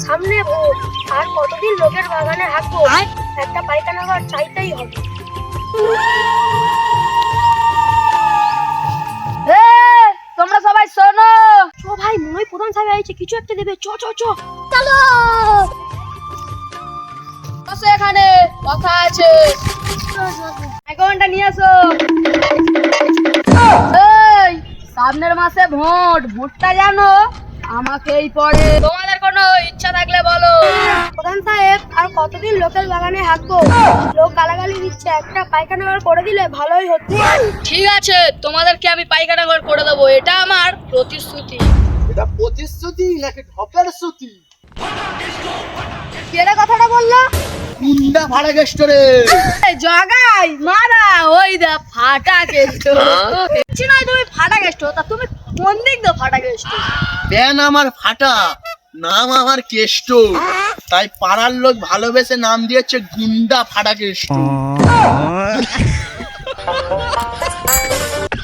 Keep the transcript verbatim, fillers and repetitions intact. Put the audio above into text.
সামনে ভোট, আর কতদিন লোকের বাগানে হাঁটবো, একটা পায়খানা ঘর চাইতেই হবে। তোমরা সবাই শোনো, চ ভাই, মনে হয় প্রধান সাহেব আইছে, কিছু একটা দেবে। চ চ চ চলো। বসো, এখানে কথা আছে। অ্যাকাউন্টটা নিয়ে আসো। এই সামনের মাসে ভোট, ভোটটা জানো আমাকেই পড়ে। তোমাদের কোনো ইচ্ছা থাকলে বলো। প্রধান সাহেব, আর কতদিন লোকের বাগানে হাঁটবো? লোক গালাগালি দিচ্ছে, একটা পায়খানা ঘর করে দিলে ভালোই হতো। ঠিক আছে, তোমাদেরকে আমি পায়খানা ঘর করে দেবো, এটা আমার প্রতিশ্রুতি। এটা প্রতিশ্রুতি নাকি ঢপের শ্রুতি? কেড়ে কথাটা বললো? কুন্ডা ভাড়া গেস্ট রে। এই জগাই মারা, ওই দা ফাটা গেষ্ট। দেখছি না তুমি ফাটা গেষ্ট, তা তুমি কোন দিক দিয়ে ফাটা গেষ্ট? প্যান আমার ফাটা, নাম আমার কেষ্ট, তাই পাড়ার লোক ভালোবেসে নাম দিয়েছে গুন্ডা ফাটা কেষ্ট।